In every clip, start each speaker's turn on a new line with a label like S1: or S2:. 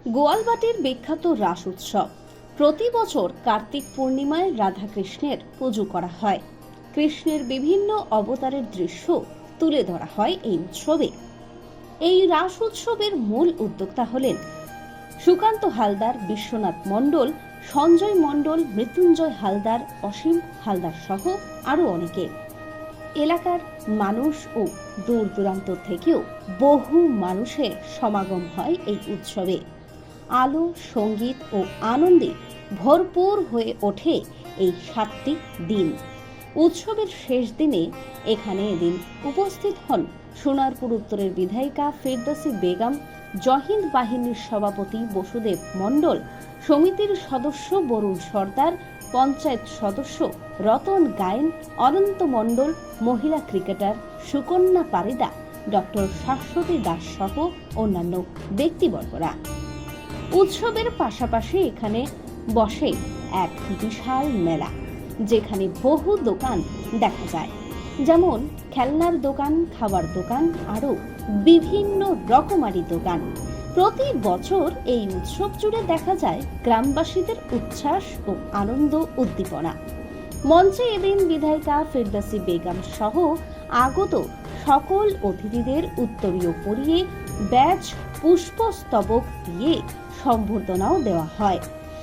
S1: গোয়ালবাটির বিখ্যাত রাস উৎসব প্রতি বছর কার্তিক পূর্ণিমায় রাধাকৃষ্ণের পুজো করা হয়। কৃষ্ণের বিভিন্ন অবতারের দৃশ্য তুলে ধরা হয় এই উৎসবে। এই রাস উৎসবের মূল উদ্যোক্তা হলেন সুকান্ত হালদার, বিশ্বনাথ মণ্ডল, সঞ্জয় মণ্ডল, মৃত্যুঞ্জয় হালদার, অসীম হালদার সহ আরো অনেকে। এলাকার মানুষ ও দূর দূরান্ত থেকেও বহু মানুষের সমাগম হয় এই উৎসবে। আলো, সঙ্গীত ও আনন্দে ভরপুর হয়ে ওঠে এই 7টি দিন। উৎসবের শেষ দিনে এখানে এদিন উপস্থিত হন সোনারপুর উত্তরের বিধায়িকা ফেরদৌসী বেগম, জহিন্দ বাহিনীর সভাপতি বসুদেব মণ্ডল, সমিতির সদস্য বরুণ সর্দার, পঞ্চায়েত সদস্য রতন গায়েন, অনন্ত মণ্ডল, মহিলা ক্রিকেটার সুকন্যা পারিদা, ডক্টর শাশ্বতী দাস সহ অন্যান্য ব্যক্তিবর্গরা। উৎসবের পাশাপাশি এখানে বসে এক বিশাল মেলা, যেখানে বহু দোকান দেখা যায়, যেমন খেলনার দোকান, খাবার দোকান, আরো বিভিন্ন রকমারি দোকান। প্রতি বছর এই উৎসব জুড়ে দেখা যায় গ্রামবাসীদের উচ্ছ্বাস ও আনন্দ উদ্দীপনা। মঞ্চে এদিন বিধায়িকা ফেরদৌসী বেগম সহ আগত সকল অতিথিদের উত্তরীয় পরিয়ে ব্যাজ, পুষ্পস্তবক দিয়ে সম্বর্ধনাও দেওয়া হয়।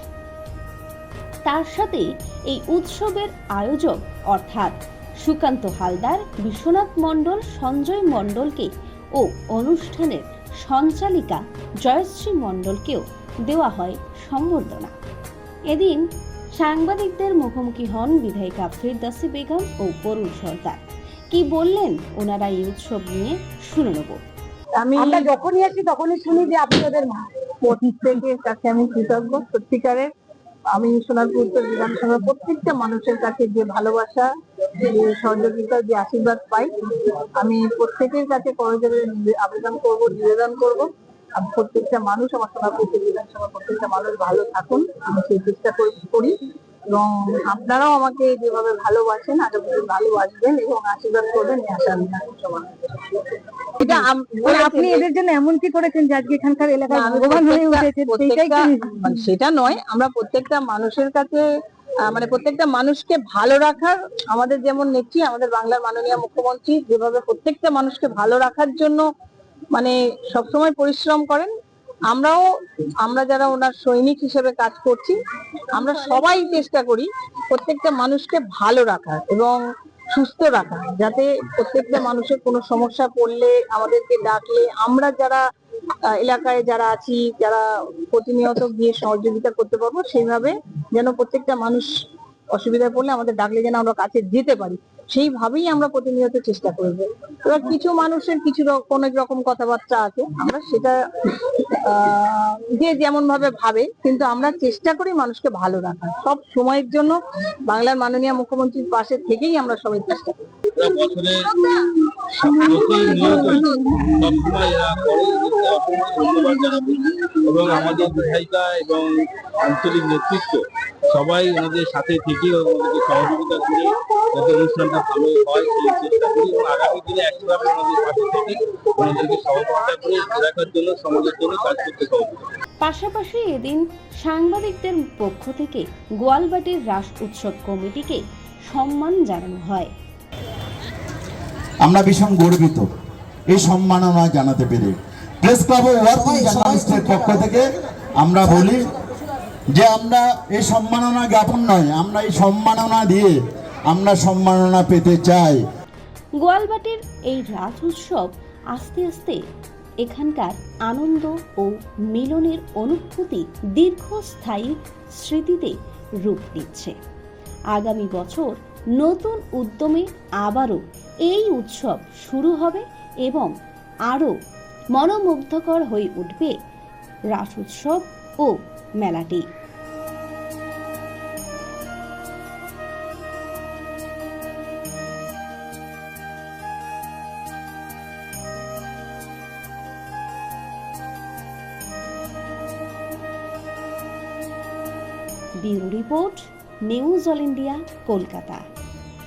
S1: তার সাথে এই উৎসবের আয়োজক অর্থাৎ সুকান্ত হালদার, বিশ্বনাথ মণ্ডল, সঞ্জয় মণ্ডলকে ও অনুষ্ঠানের সঞ্চালিকা জয়শ্রী মণ্ডলকেও দেওয়া হয় সম্বর্ধনা। এদিন সাংবাদিকদের মুখোমুখি হন বিধায়িকা ফেরদৌসী বেগম ও বরুণ সর্দার। কি বললেন ওনারা এই উৎসব নিয়ে শুনে নেব।
S2: আমরা যখনই আসি তখনই শুনি যে আপনাদের মা। প্রত্যেকের কাছে আমি কৃতজ্ঞ সত্যিকারের। আমি সোনারপুর উত্তর বিধানসভার প্রত্যেকটা মানুষের কাছে যে ভালোবাসা, যে সহযোগিতা, যে আশীর্বাদ পাই, আমি প্রত্যেকের কাছে করজোড়ে আবেদন করবো, নিবেদন করবো। আমি প্রত্যেকটা মানুষ, আমার সোনারপুর উত্তর বিধানসভার প্রত্যেকটা মানুষ ভালো থাকুন, আমি সেই চেষ্টা করি। এবং আপনারাও আমাকে যেভাবে ভালোবাসেন আরো ভালোবাসবেন এবং আশীর্বাদ করবেন, আশা আমি সবার।
S3: এটা আপনি এদের জন্য এমন কি করেছেন যে আজকে এখানকার এলাকার ভগবান হয়ে উঠেছে?
S2: সেটা নয়, আমরা প্রত্যেকটা মানুষের কাছে মানে প্রত্যেকটা মানুষকে ভালো রাখার, আমাদের যেমন নেত্রী, আমাদের বাংলার মাননীয় মুখ্যমন্ত্রী যেভাবে প্রত্যেকটা মানুষকে ভালো রাখার জন্য মানে সবসময় পরিশ্রম করেন, আমরা যারা ওনার সৈনিক হিসেবে কাজ করছি, আমরা সবাই চেষ্টা করি প্রত্যেকটা মানুষকে ভালো রাখার এবং সুস্থ রাখা, যাতে প্রত্যেকটা মানুষের কোনো সমস্যা পড়লে আমাদেরকে ডাকলে আমরা যারা এলাকায় যারা আছি, যারা প্রতিনিয়ত গিয়ে সহযোগিতা করতে পারবো, সেইভাবে যেন প্রত্যেকটা মানুষ অসুবিধায় পড়লে আমাদের ডাকলে যেন আমরা কাছে যেতে পারি, সেইভাবেই আমরা প্রতিনিয়ত চেষ্টা করব। এবার কিছু মানুষের অনেক রকম কথাবার্তা আছে, আমরা সেটা যে যেমন ভাবে ভাবে, কিন্তু আমরা চেষ্টা করি মানুষকে ভালো রাখার। সব সময়ের জন্য বাংলার মাননীয় মুখ্যমন্ত্রীর পাশে থেকেই আমরা সবাই চেষ্টা করি।
S4: এবং আমাদের বিধায়িকা এবং আঞ্চলিক নেতৃত্ব সবাই ওনাদের সাথে থেকে ওনাদেরকে সহযোগিতা করে যাতে অনুষ্ঠানটা ভালো হয় সেই চেষ্টা করি, এবং আগামী দিনে একইভাবে ওনাদের পাশে থেকে ওনাদেরকে সহযোগিতা করে রাখার জন্য, সমাজের জন্য কাজ করতে সহযোগিতা।
S1: পাশাপাশি এদিন সাংবাদিকদের পক্ষ থেকে গোয়ালবাটির রাস উৎসব কমিটিকে সম্মান জানানো হয়।
S5: আমরা ভীষণ গর্বিত এই সম্মাননা জানাতে পেরে। প্রেস ক্লাব ও ওয়ার্কিং জার্নালিস্টের পক্ষ থেকে আমরা বলি যে আমরা এই সম্মাননা জ্ঞাপন নয়, আমরা এই সম্মাননা দিয়ে আমরা সম্মাননা পেতে চাই।
S1: গোয়ালবাটির এই রাস উৎসব আস্তে আস্তে এখানকার আনন্দ ও মিলনের অনুভূতি দীর্ঘস্থায়ী স্মৃতিতে রূপ দিচ্ছে। আগামী বছর নতুন উদ্যমে আবারও এই উৎসব শুরু হবে এবং আরও মনোমুগ্ধকর হয়ে উঠবে রাস উৎসব ও মেলাটি। Bureau report, news all India, Kolkata.